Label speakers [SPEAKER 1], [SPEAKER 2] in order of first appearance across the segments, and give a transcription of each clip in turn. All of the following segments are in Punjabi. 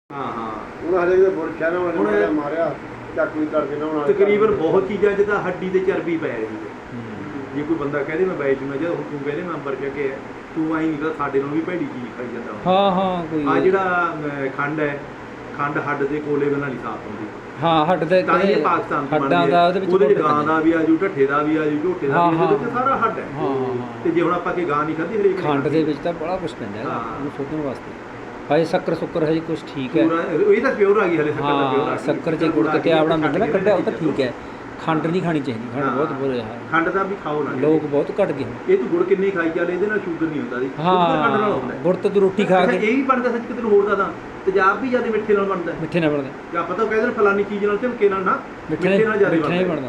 [SPEAKER 1] ਹਾਂ ਹਾਂ
[SPEAKER 2] ਹੁਣ ਹਲੇ ਵੀ ਬੁਰਸ਼ਾ ਨਾ ਉਹਨੇ ਮਾਰਿਆ ਚਾਕੂ ਕਰਕੇ ਨਾ ਹੁਣ
[SPEAKER 1] ਤਕਰੀਬਨ ਬਹੁਤ ਚੀਜ਼ਾਂ 'ਚ ਤਾਂ ਹੱਡੀ ਤੇ ਚਰਬੀ ਪੈ ਰਹੀ ਹੈ। ਜੇ ਕੋਈ ਬੰਦਾ ਕਹਦੇ ਮੈਂ ਵੇਚ ਨਾ, ਜਦੋਂ ਤੂੰ ਕਹਿੰਦੇ ਮੈਂ ਅੰਬਰ ਕੇ ਤੂੰ ਆਈ ਨਹੀਂ ਸਾਡੇ ਨਾਲ ਵੀ ਭੈੜੀ ਚੀਜ਼ ਖਾਈ ਜਾਂਦਾ।
[SPEAKER 3] ਹਾਂ ਹਾਂ ਕੋਈ
[SPEAKER 1] ਆ ਜਿਹੜਾ ਖੰਡ ਹੈ, ਖੰਡ ਹੱਡ ਦੇ ਕੋਲੇ ਨਾਲ ਨਹੀਂ ਸਾਫ਼ ਹੁੰਦੀ।
[SPEAKER 3] ਹਾਂ ਹੱਡ ਦੇ
[SPEAKER 1] ਤਾਂ ਇਹ ਪਾਕਿਸਤਾਨ ਤੋਂ
[SPEAKER 3] ਹੱਡਾਂ ਦਾ ਉਹਦੇ
[SPEAKER 1] ਵਿੱਚ ਗਾਂ ਦਾ ਵੀ ਆਜੂ, ਢੱਠੇ ਦਾ ਵੀ ਆਜੂ, ਝੋਟੇ ਦਾ ਵੀ, ਇਹਦੇ ਵਿੱਚ ਸਾਰਾ ਹੱਡ ਹੈ।
[SPEAKER 3] ਹਾਂ
[SPEAKER 1] ਤੇ ਜੇ ਹੁਣ ਆਪਾਂ ਕਿ ਗਾਂ ਨਹੀਂ ਖਾਧੀ ਹਰੇਕ
[SPEAKER 3] ਖੰਡ ਦੇ ਵਿੱਚ ਤਾਂ ਬੜਾ ਕੁਝ ਪੈਂਦਾ ਹੈ ਉਹਨੂੰ ਸੋਧਣ ਵਾਸਤੇ। ਹਜੇ ਸ਼ੱਕਰ ਹਜੇ ਕੁਝ ਠੀਕ ਹੈ,
[SPEAKER 1] ਇਹ ਤਾਂ ਪਿਓਰ ਆ ਗਈ ਹਲੇ ਸ਼ੱਕਰ ਤਾਂ ਪਿਓਰ ਆ ਗਈ।
[SPEAKER 3] ਸ਼ੱਕਰ ਜੇ ਗੁੜ ਤੇ ਆਪਣਾ ਮਿਲਦਾ ਨਾ ਕੱਢਿਆ ਉਹ ਤਾਂ ਠੀਕ ਹੈ। ਖੰਡ ਨਹੀਂ ਖਾਣੀ ਚਾਹੀਦੀ, ਖੰਡ ਬਹੁਤ ਬੁਰੇ ਹਾਲ।
[SPEAKER 1] ਖੰਡ ਦਾ ਵੀ ਖਾਓ ਨਾ,
[SPEAKER 3] ਲੋਕ ਬਹੁਤ ਘਟ ਗਏ।
[SPEAKER 1] ਇਹ ਤੂੰ ਗੁੜ ਕਿੰਨੀ ਖਾਈ ਚੱਲ, ਇਹਦੇ ਨਾਲ ਸ਼ੂਗਰ ਨਹੀਂ ਹੁੰਦਾ ਜੀ। ਖੰਡ ਨਾਲ ਹੁੰਦਾ
[SPEAKER 3] ਗੁੜ ਤੇ ਤੂੰ ਰੋਟੀ ਖਾ ਕੇ
[SPEAKER 1] ਇਹ ਵੀ ਬਣਦਾ ਸੱਚ ਕਿਤੇ ਹੋਰ ਦਾ ਤਾਂ ਤੇਜ਼ਾਬ ਵੀ ਜ਼ਿਆਦਾ ਮਿੱਠੇ ਨਾਲ ਬਣਦਾ।
[SPEAKER 3] ਮਿੱਠੇ ਨਾਲ ਬਣਦਾ
[SPEAKER 1] ਜਾਂ ਪਤਾ ਉਹ ਕਹਿੰਦੇ ਨੇ ਫਲਾਨੀ ਚੀਜ਼ ਨਾਲ ਝਮਕੇ ਨਾਲ ਨਾ, ਮਿੱਠੇ ਨਾਲ ਜ਼ਿਆਦਾ
[SPEAKER 3] ਬਣਦਾ।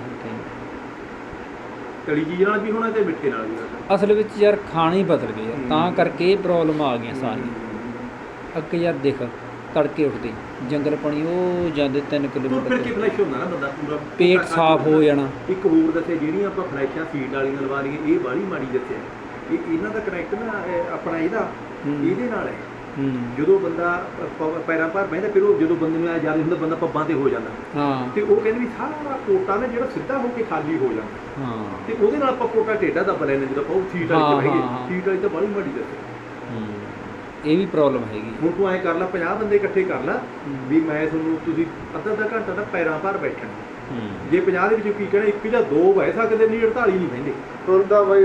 [SPEAKER 1] ਤਲੀ ਚੀਜ਼ ਨਾਲ ਵੀ ਹੋਣਾ ਤੇ ਮਿੱਠੇ ਨਾਲ ਵੀ ਹੋਣਾ।
[SPEAKER 3] ਅਸਲ ਵਿੱਚ ਯਾਰ ਖਾਣਾ ਹੀ ਬਦਲ ਗਏ ਯਾਰ, ਤਾਂ ਕਰਕੇ ਇਹ ਪ੍ਰੋਬਲਮ ਆ ਗਈਆਂ ਸਾਰੀਆਂ। ਅੱਗੇ ਯਾਰ ਦੇਖ ਤੜਕੇ ਉੱਠਦੇ ਜੰਗਲ ਪਾਣੀ ਉਹ ਜਾਂਦੇ 3 ਕਿਲੋਮੀਟਰ,
[SPEAKER 1] ਫਿਰ ਕੀ ਫਲੈਸ਼ ਹੁੰਦਾ ਨਾ ਬੰਦਾ ਪੂਰਾ
[SPEAKER 3] ਪੇਟ ਸਾਫ਼ ਹੋ ਜਾਣਾ।
[SPEAKER 1] ਇੱਕ ਹੋਰ ਦੱਸੇ ਜਿਹੜੀਆਂ ਆਪਾਂ ਫਲੈਸ਼ਾਂ ਸੀਟ ਵਾਲੀਆਂ ਲਵਾ ਲਈਏ, ਇਹ ਬਾਹਲੀ ਮਾੜੀ ਦੱਸਿਆ। ਇਹਨਾਂ ਦਾ ਕਨੈਕਟ ਨਾ ਆਪਣਾ ਇਹਦਾ ਇਹਦੇ ਨਾਲ ਹੈ। ਜਦੋਂ ਬੰਦਾ ਪੈਰਾਂ ਭਾਰ ਬਹਿੰਦਾ, ਫਿਰ ਉਹ ਜਦੋਂ ਬੰਦੇ ਨੂੰ ਆ ਜ਼ਿਆਦਾ ਹੁੰਦਾ ਬੰਦਾ ਪੱਬਾਂ ਤੇ ਹੋ ਜਾਂਦਾ।
[SPEAKER 3] ਹਾਂ
[SPEAKER 1] ਤੇ ਉਹ ਕਹਿੰਦੇ ਵੀ ਸਾਰਾ ਕੋਟਾ ਨਾ ਜਿਹੜਾ ਸਿੱਧਾ ਹੋ ਕੇ ਖਾਲੀ ਹੋ ਜਾਂਦਾ।
[SPEAKER 3] ਹਾਂ
[SPEAKER 1] ਤੇ ਉਹਦੇ ਨਾਲ ਆਪਾਂ ਕੋਟਾ ਟੇਢਾ ਦੱਬ ਲੈਂਦੇ ਜਦੋਂ ਆਪਾਂ ਉਹ ਸੀਟ ਵਾਲੀ ਚ ਬਹਿ ਗਏ। ਸੀਟ ਵਾਲੀ ਤਾਂ ਬਾਹਲੀ ਮਾੜੀ ਦੱਸਿਆ।
[SPEAKER 3] ਇਹ ਵੀ ਪ੍ਰੋਬਲਮ ਹੈਗੀ।
[SPEAKER 1] ਹੁਣ ਤੂੰ ਐਂ ਕਰ ਲਾ, 50 ਬੰਦੇ ਇਕੱਠੇ ਕਰ ਲਾ ਵੀ ਮੈਂ ਤੁਹਾਨੂੰ, ਤੁਸੀਂ ਅੱਧਾ ਘੰਟਾ ਤਾਂ ਪੈਰਾਂ ਭਾਰ ਬੈਠਣਾ। ਜੇ 50 ਦੇ ਵਿੱਚੋਂ ਕੀ ਕਹਿਣਾ, 1 ਜਾਂ 2 ਬਹਿ ਸਕਦੇ ਨਹੀਂ, 48 ਨਹੀਂ ਬਹਿੰਦੇ।
[SPEAKER 2] ਤੁਰਦਾ ਬਈ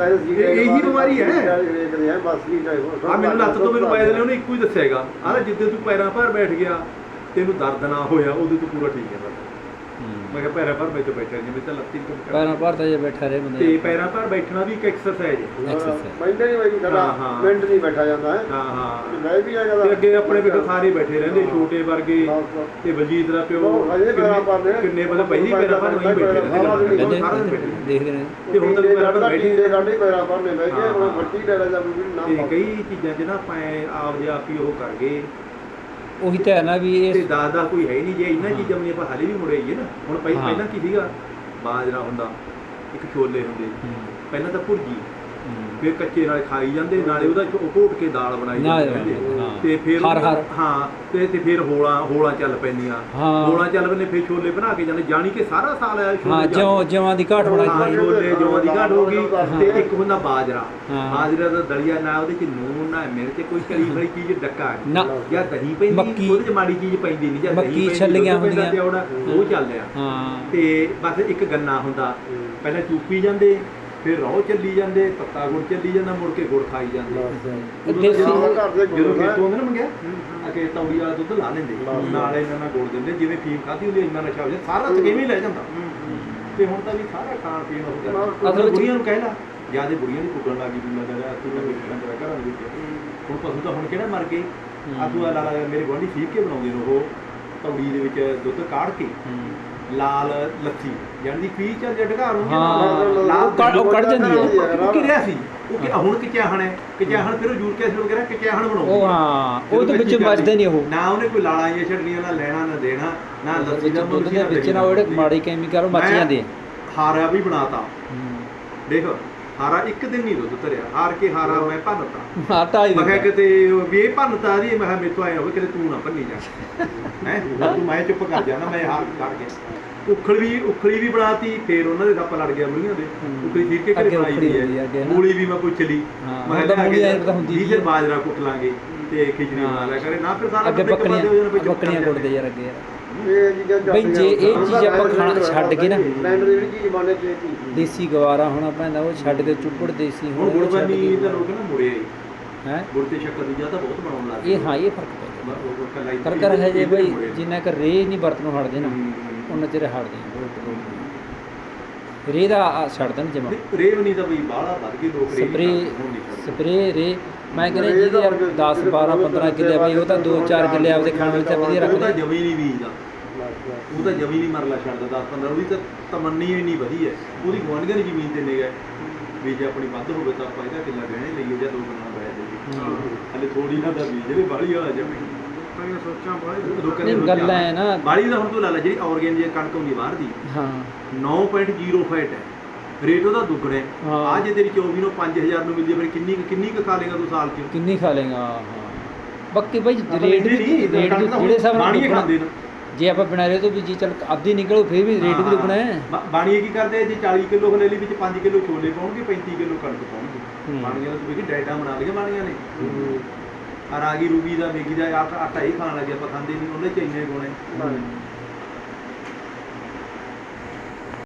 [SPEAKER 1] ਇਹੀ ਬਿਮਾਰੀ ਹੈ।
[SPEAKER 2] ਬਸ ਵੀ
[SPEAKER 1] ਆ ਮੈਨੂੰ ਲੱਤ ਤੋਂ ਮੈਨੂੰ ਪਾਇਆ ਉਹਨੇ ਇੱਕੋ ਹੀ ਦੱਸਿਆ ਹੈਗਾ, ਆਹ ਜਿੱਦੇ ਤੂੰ ਪੈਰਾਂ ਭਾਰ ਬੈਠ ਗਿਆ ਤੈਨੂੰ ਦਰਦ ਨਾ ਹੋਇਆ, ਉਦੋਂ ਤੂੰ ਪੂਰਾ ਠੀਕ ਹੈ। ਬਸ ਮੈਂ ਕਿਹਾ ਪੈਰਾਂ ਭਾਰ ਵਿੱਚ ਬੈਠਾ ਜਿਵੇਂ ਤਾਂ ਲੱਤੀ
[SPEAKER 3] ਪੈਰਾਂ ਭਾਰ ਤਾਂ ਜੇ ਬੈਠਾ ਰਹੇ ਬੰਦੇ,
[SPEAKER 1] ਤੇ ਪੈਰਾਂ ਭਾਰ ਬੈਠਣਾ ਵੀ ਇੱਕ ਐਕਸਰਸਾਈਜ਼ ਹੈ।
[SPEAKER 2] ਮੈਂਡੇ ਨਹੀਂ ਬਈ ਸਾਡਾ ਮਿੰਟ ਨਹੀਂ ਬੈਠਾ ਜਾਂਦਾ ਹੈ।
[SPEAKER 1] ਹਾਂ ਹਾਂ
[SPEAKER 2] ਮੈਂ ਵੀ ਆਇਆ
[SPEAKER 1] ਤੇ ਅੱਗੇ ਆਪਣੇ ਵੀ ਸਾਰੇ ਬੈਠੇ ਰਹਿੰਦੇ, ਛੋਟੇ ਵਰਗੇ ਤੇ ਬਲਜੀਤ ਦਾ ਪਿਓ ਕਿੰਨੇ ਬੰਦੇ ਪਹਿਲੀ ਪੈਰਾਂ ਭਾਰ ਨਹੀਂ ਬੈਠੇ ਰਹਿੰਦੇ, ਸਾਰਾ ਦਿਨ ਬੈਠੇ
[SPEAKER 3] ਦੇਖਦੇ ਨੇ।
[SPEAKER 1] ਤੇ ਹੁਣ ਤਾਂ ਪੈਰਾਂ ਭਾਰ ਬੈਠੇ
[SPEAKER 2] ਸਾਡੇ ਪੈਰਾਂ ਭਾਰ ਨੇ ਬਹਿ ਕੇ ਹੁਣ ਵੱਡੀ ਲੈ ਜਾ ਵੀ ਨਾ।
[SPEAKER 1] ਤੇ ਕਈ ਚੀਜ਼ਾਂ 'ਚ ਨਾ ਆਪਾਂ ਆਪ ਆਪ ਹੀ ਉਹ ਕਰ ਗਏ।
[SPEAKER 3] ਉਹੀ ਤਾਂ ਹੈ ਨਾ ਵੀ ਇਹ
[SPEAKER 1] ਤੇ ਦਾਦਾ ਕੋਈ ਹੈ ਹੀ ਨਹੀਂ। ਜੇ ਇਹਨਾਂ ਚੀਜ਼ਾਂ ਨੂੰ ਆਪਾਂ ਹਾਲੇ ਵੀ ਮੁੜੇ ਆਈਏ ਨਾ, ਹੁਣ ਪਹਿਲਾਂ ਕੀ ਸੀਗਾ, ਬਾਜਰਾ ਹੁੰਦਾ, ਇੱਕ ਛੋਲੇ ਹੁੰਦੇ, ਪਹਿਲਾਂ ਤਾਂ ਭੁਰਜੀ, ਫਿਰ ਕੱਚੇ ਨਾਲ ਖਾਈ ਜਾਂਦੇ, ਨਾਲੇ ਉਹਦਾ ਘੋਟ ਕੇ ਦਾਲ ਬਣਾਈ ਜਾਂਦੇ, ਤੇ ਫਿਰ ਹਾਂ ਤੇ ਫਿਰ ਹੋਲਾਂ ਚੱਲ ਪੈਂਦੀਆਂ, ਹੋਲਾਂ ਚੱਲ ਪੈਂਦੇ, ਫਿਰ ਛੋਲੇ ਬਣਾ ਕੇ ਜਾਂਦੇ, ਜਾਣੀ ਕਿ ਸਾਰਾ ਸਾਲ ਆਇਆ
[SPEAKER 3] ਜਵਾਂ ਦੀ ਘਾਟ ਬਣਾਈ,
[SPEAKER 1] ਛੋਲੇ ਜਵਾਂ ਦੀ ਘਾਟ ਹੋ ਗਈ। ਤੇ ਇੱਕ ਹੁੰਦਾ ਬਾਜਰਾ, ਬਾਜਰਾ ਦਾ ਦਲੀਆ, ਨਾ ਉਹਦੇ ਚ ਨੂਨ ਨਾ ਮਿਰਚ, ਕੋਈ ਤਲੀ ਵਾਲੀ ਚੀਜ਼ ਡੱਕਾ ਜਾਂ ਦਹੀਂ ਪੈਂਦੀ, ਉਹਦੇ ਚ ਮਾੜੀ ਚੀਜ਼ ਪੈਂਦੀ ਨਹੀਂ, ਜਾਂ
[SPEAKER 3] ਮੱਕੀ ਛੱਲੀਆਂ ਹੁੰਦੀਆਂ
[SPEAKER 1] ਉਹ ਚੱਲਦੇ ਆ। ਤੇ ਬਸ ਇੱਕ ਗੰਨਾ ਹੁੰਦਾ, ਪਹਿਲਾਂ ਚੂਪੀ ਜਾਂਦੇ, ਫਿਰ ਰੋਹ ਚੱਲੀ ਜਾਂਦੇ, ਪੱਤਾ ਗੁੜ ਚੱਲੀ ਜਾਂਦਾ, ਮੁੜ ਕੇ ਗੁੜ ਖਾਈ ਜਾਂਦੇ। ਜਦੋਂ ਖੇਤੋਂ ਆਉਂਦੇ ਨਾ ਮੰਗਿਆ ਕਿ ਤੌੜੀ ਵਾਲਾ ਦੁੱਧ ਲਾ ਲੈਂਦੇ, ਨਾਲ ਇਹਨਾਂ ਨਾਲ ਗੁੜ ਦਿੰਦੇ, ਜਿਵੇਂ ਫੀਮ ਖਾਧੀ ਹੁੰਦੀ ਇੰਨਾ ਨਸ਼ਾ ਹੋ ਜਾਂਦਾ, ਸਾਰਾ ਥਕੇਵੇਂ ਲੈ ਜਾਂਦਾ। ਤੇ ਹੁਣ ਤਾਂ ਵੀ ਸਾਰਾ ਖਾਣ ਪੀਣ ਹੋ ਗਿਆ। ਅਸਲ ਬੁੜੀਆਂ ਨੂੰ ਕਹਿ ਲਾ, ਜਿਆਦਾ ਬੁੜੀਆਂ ਦੀ ਕੁੱਟਣ ਲੱਗ ਗਈ, ਤੂੰ ਲੱਗਦਾ ਤੂੰ ਤਾਂ ਵੇਖਣਾ ਤੇਰਾ ਘਰਾਂ ਦੇ ਵਿੱਚ। ਹੁਣ ਪਸ਼ੂ ਤਾਂ ਹੁਣ ਕਿਹੜਾ ਮਰ ਗਏ। ਆ ਤੂੰ ਲਾ ਮੇਰੇ ਗੁਆਂਢੀ ਸੀਖ ਕੇ ਬਣਾਉਂਦੇ ਨੇ ਉਹ ਤੌੜੀ ਦੇ ਵਿੱਚ ਦੁੱਧ ਕਾੜ ਕੇ ਲਾਲ ਲੱਥੀ, ਜਾਨੀ ਪੀ ਚੱਲ ਢਕਾਰ ਹੁੰਦੀ
[SPEAKER 3] ਲਾਲ ਕੱਢ ਜਾਂਦੀ ਹੈ।
[SPEAKER 1] ਉਹ ਕਿ ਰਿਹਾ ਸੀ ਉਹ ਹੁਣ ਕਿਚਾਹਣ ਹੈ, ਕਿਚਾਹਣ ਫਿਰ ਉਹ ਜੂਰ ਕੇ ਸ਼ੁਰੂ ਕਰਿਆ, ਕਿਚਾਹਣ ਬਣਾਉਂਦੇ
[SPEAKER 3] ਉਹ ਹਾਂ ਉਹਦੇ ਵਿੱਚ ਵੱਜਦੇ ਨਹੀਂ, ਉਹ
[SPEAKER 1] ਨਾ ਉਹਨੇ ਕੋਈ ਲਾਲਾਂ ਜਾਂ ਛੱਡਣੀਆਂ, ਨਾ ਲੈਣਾ ਨਾ ਦੇਣਾ, ਨਾ ਲੱਸੀ ਦਾ
[SPEAKER 3] ਦੁੱਧ ਦੇ ਵਿੱਚ ਨਾ ਉਹ ਜਿਹੜੇ ਮਾੜੇ ਕੈਮੀਕਲ ਮੱਛੀਆਂ ਦੇ।
[SPEAKER 1] ਹਾਰਾ ਵੀ ਬਣਾਤਾ, ਦੇਖ ਹਾਰਾ ਇੱਕ ਦਿਨ ਨਹੀਂ ਦੁੱਧ ਧਰਿਆ, ਹਾਰ ਕੇ ਹਾਰਾ ਮੈਂ ਭੰਨਤਾ। ਮੈਂ ਕਿਹਾ ਕਿਤੇ ਵੀ ਇਹ ਭੰਨਤਾ ਦੀ, ਮੈਂ ਕਿਹਾ ਮੇਥੋਂ ਆਇਆ ਹੋਵੇ ਕਿਤੇ ਤੂੰ ਨਾ ਭੰਨੀ ਜਾ ਹੈ, ਤੂੰ ਮੈਂ ਚੁੱਪ ਕਰ ਜਾਣਾ, ਮੈਂ ਹਾਰ ਕਰ ਗਿਆ। ਉਖਲੀ ਵੀ ਬਣਾਤੀ, ਫੇਰ ਉਹਨਾਂ ਦੇ ਸੱਪ ਲੜ ਗਿਆ ਬੁੜੀਆਂ ਦੇ, ਉਖਲੀ ਠੀਕ ਕੇ ਘਰੇ ਬਣਾਈ ਦੀ ਹੈ। ਮੂਲੀ ਵੀ ਮੈਂ ਪੁੱਛ ਲਈ, ਮੈਂ ਕਿਹਾ ਡੀਜ਼ਲ ਬਾਜਰਾ ਕੁੱਟ ਲਾਂਗੇ ਤੇ ਖਿਚੜੀ ਬਣਾ ਲਿਆ ਕਰੇ ਨਾ, ਫਿਰ ਸਾਰਾ
[SPEAKER 3] ਅੱਗੇ ਬੱਕਰੀਆਂ ਕੁੱਟਦੇ ਯਾਰ ਅੱਗੇ ਯਾਰ। ਬਈ ਜੇ ਇਹ ਚੀਜ਼ ਆਪਾਂ ਖਾਣਾ ਛੱਡ ਕੇ ਨਾ, ਦੇਸੀ ਗਵਾਰਾ ਹੋਣਾ ਪੈਂਦਾ, ਉਹ ਛੱਡ ਕੇ ਚੁੱਪੜ ਦੇਸੀ
[SPEAKER 1] ਹੁਣ ਗੁੜਬਨੀ ਤਾਂ ਲੋਕ ਨਾ ਮੁੜੇ ਹੈ, ਗੁੜ ਤੇ ਸ਼ੱਕਰ ਦੀ ਜ਼ਿਆਦਾ ਬਹੁਤ ਬਣਾਉਣ ਲੱਗ ਗਏ।
[SPEAKER 3] ਇਹ ਹਾਂ ਇਹ ਫਰਕ ਹੈ ਜੇ ਬਈ ਜਿੰਨਾ ਕਰ ਰੇਹ ਨਹੀਂ ਵਰਤ ਨੂੰ ਹਟਦੇ ਨਾ, ਉਹਨਾਂ ਚਿਰ ਹਟਦੇ ਰੇਹ ਦਾ ਛੱਡ ਦੇਣ ਜਮਾ।
[SPEAKER 1] ਰੇਹ ਨਹੀਂ ਤਾਂ ਬਈ ਬਾਹਲਾ ਵੱਧ ਗਏ ਲੋਕ,
[SPEAKER 3] ਸਪਰੇ ਰੇ ਮੈਂ ਕਹਿੰਦਾ ਜਿਹਦੇ ਯਾਰ 10 12 15 ਕਿੱਲੇ ਬਈ ਉਹ ਤਾਂ 2-4 ਕਿੱਲੇ ਆਪਦੇ ਖਾਣ ਵਿੱਚ ਵਧੀਆ ਰੱਖਦੇ।
[SPEAKER 1] ਉਹਦਾ ਜਮੀ ਨਹੀਂ ਬੀਜਦਾ, ਉਹ ਤਾਂ ਜਮੀ ਨਹੀਂ ਮਰਲਾ ਛੱਡਦਾ 10-15, ਉਹਦੀ ਤਾਂ ਤਮੰਨੀ ਇੰਨੀ ਵਧੀਆ, ਉਹਦੀ ਗੁਆਂਢੀਆਂ ਦੀ ਜ਼ਮੀਨ ਤੇ ਨੇਗਾ ਵੀ ਜੇ ਆਪਣੀ ਵੱਧ ਹੋਵੇ ਤਾਂ ਆਪਾਂ ਇਹਦਾ ਕਿੱਲਾ ਗਹਿਣੇ ਲਈਏ ਜਾਂ 2 ਕਿੱਲਾ ਬੈ ਜਾਈਏ, ਹਲੇ ਥੋੜੀ ਨਾ ਦਾ ਬੀਜ ਜਿਹੜੇ ਬਾਹਲੀ ਵਾਲਾ ਜਮੀ
[SPEAKER 3] ਗੱਲ ਹੈ ਨਾ
[SPEAKER 1] ਬਾਹਲੀ ਦਾ। ਹੁਣ ਤੂੰ ਲਾ ਲੈ ਜਿਹੜੀ ਆਰਗੈਨਿਕ ਦੀ ਕਣਕ ਹੁੰਦੀ ਬਾਹਰ ਦੀ, 9.0 ਫੈਟ ਹੈ, ਰੇਟ ਉਹਦਾ ਦੁੱਗਣਾ ਹੈ। ਆ ਜੇ ਤੇਰੀ 24 ਨੂੰ 5000 ਨੂੰ ਮਿਲਦੀ ਹੈ, ਫਿਰ ਕਿੰਨੀ ਕੁ ਖਾ ਲੇਗਾ ਤੂੰ ਸਾਲ 'ਚ,
[SPEAKER 3] ਕਿੰਨੀ ਖਾ ਲੇਗਾ। ਬਾਕੀ ਬਾਈ ਰੇਟ ਵੀ ਜਿਹੜੇ ਹਿਸਾਬ ਨਾਲ
[SPEAKER 1] ਬਾਣੀਏ ਖਾਂਦੇ ਨੇ
[SPEAKER 3] ਜੇ ਆਪਾਂ ਬਿਨਾਂ ਰੇ ਤੋਂ ਵੀ ਜੀ ਚੱਲ ਅੱਧੀ ਨਿਕਲੋ ਫਿਰ ਵੀ ਰੇਟ ਵੀ ਦੁੱਗਣਾ ਹੈ।
[SPEAKER 1] ਬਾਣੀਏ ਕੀ ਕਰਦੇ ਜੇ 40 ਕਿਲੋ ਹਲੇਲੀ ਵਿੱਚ 5 ਕਿਲੋ ਛੋਲੇ ਪਾਉਣਗੇ 35 ਕਿਲੋ ਕਣਕ ਪਾਉਣਗੇ। ਬਾਣੀਆਂ ਤੋਂ ਵੀ ਡਾਇਟਾਂ ਬਣਾ ਲਈਆਂ ਬਾਣੀਆਂ ਨੇ। ਆ ਰਾਗੀ ਰੂਗੀ ਦਾ ਮੇਗੀ ਦਾ ਆਟਾ ਹੀ ਖਾਣ ਲੱਗੇ ਆਪਾਂ ਖਾਂਦੇ ਨਹੀਂ ਉਹਨੇ ਚ ਇੰਨੇ ਗੁਣ ਹੈ।